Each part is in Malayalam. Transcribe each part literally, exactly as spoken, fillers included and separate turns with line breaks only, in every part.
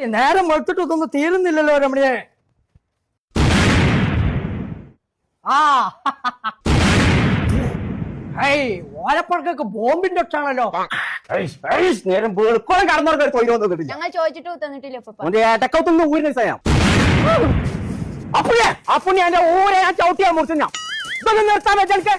നേരം വെളുത്തിട്ടൊന്നും തീരുന്നില്ലല്ലോ രമണിയെ. ആ ഓലപ്പഴക്കൊക്കെ ബോംബിന്റെ ഒച്ചാണല്ലോ.
നേരം വെളുക്കോളം കടന്നവർക്ക് തൊഴിൽ
ഞങ്ങൾ ചോദിച്ചിട്ട് തന്നിട്ടില്ല.
ഏട്ടക്കത്തൊന്നും ഊരിന് ചെയ്യാം. അപ്പുണ്യ അപ്പുണ്യ എന്റെ ഊരെ ഞാൻ ചവിട്ടിയാ മുറിച്ചു. ഞാൻ ഇതൊക്കെ നിർത്താൻ വെച്ചെനിക്ക്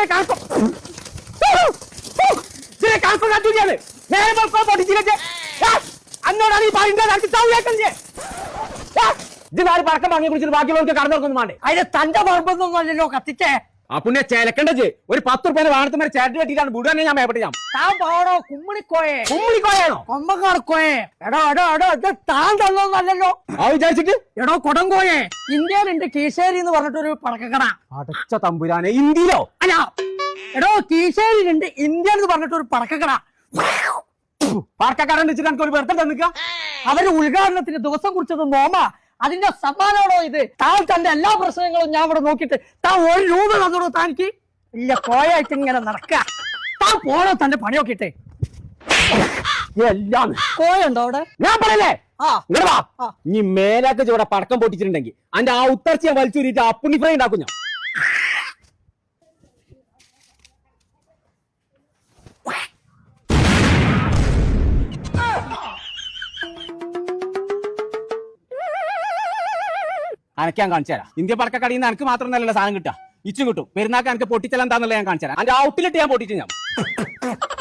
നേരെ വെളുക്കോ പൊട്ടിച്ചില്ലേ അന്നോടാണ് ഈ പറയുന്നത്. ഇതിനാര് പടക്കം വാങ്ങി കുടിച്ചിട്ട് ബാക്കിയുള്ളവർക്ക് കടന്നവർക്കൊന്നും വേണ്ടേ?
അതിന് തന്റെ പറമ്പൊന്നും അല്ലല്ലോ കത്തിച്ചേ.
അപ്പുണ്യ ചേലക്കണ്ടത് ഒരു പത്ത് റുപ്യ വാണത്തുമാരെ ചേട്ടൻ കെട്ടിയിട്ടാണ് വിടുവാനെ ഞാൻ മേപ്പെട്ട് ഞാൻ
താൻ പോടോ കുമ്മിണിക്കോയെ.
കുമ്മിണിക്കോയാണോ?
കൊമ്പക്കാർക്കോയെ. എടോ എടോ എടോ ഇത് താൻ തന്നോന്നല്ലോ.
ആ വിചാരിച്ചിട്ട്
എടോ കൊടങ്കോയെ. ഇന്ത്യയിലുണ്ട് കീശേരി എന്ന് പറഞ്ഞിട്ടൊരു പടക്കക്കട.
അടച്ച തമ്പുരാനെ ഇന്ത്യയിലോ?
അല്ല എടോ കീശേരിയിലുണ്ട് ഇന്ത്യ എന്ന് പറഞ്ഞിട്ടൊരു പടക്കക്കട.
പടക്കക്കാരൻ വെച്ചിട്ട് എനിക്ക് ഒരു വെറുതെ തന്നിക്ക.
അവര് ഉദ്ഘാടനത്തിന് ദിവസം കുറിച്ചത് നോമ. അതിന്റെ സമ്മാനമാണോ ഇത്? താൻ തന്റെ എല്ലാ പ്രശ്നങ്ങളും ഞാൻ ഇവിടെ നോക്കിയിട്ട് താൻ ഒരു രൂപ തന്നോളൂ. താനിക്ക് ഇല്ല കോയായിട്ട് ഇങ്ങനെ നടക്ക. താൻ പോണോ തന്റെ പണി നോക്കിട്ടെ.
എല്ലാം
കോയുണ്ടോ അവിടെ?
ഞാൻ പറയല്ലേ
ആ
ഇങ്ങനെ വാ. ഇനി മേലാക്ക് ഇവിടെ പടക്കം പൊട്ടിച്ചിട്ടുണ്ടെങ്കിൽ അതിന്റെ ആ ഉത്തർച്ച ഞാൻ വലിച്ചൂരിട്ട് അപ്പുണ്ണി ഫ്രൈ ഉണ്ടാക്കും ഞാൻ. അനക്ക് ഞാൻ കാണിച്ചു തരാം. ഇന്ത്യ പടക്കക്കടിയിൽ നിന്ന് എനിക്ക് മാത്രം നല്ല സാധനം കിട്ടാ. ഇച്ചും കിട്ടും. പെരുന്നാക്ക് എനിക്ക് പൊട്ടിച്ചെല്ലാം എന്താന്നുള്ള ഞാൻ കാണിച്ചു തരാം. അതിന്റെ ഔട്ടിലിട്ട് ഞാൻ പൊട്ടിച്ചു ഞാൻ.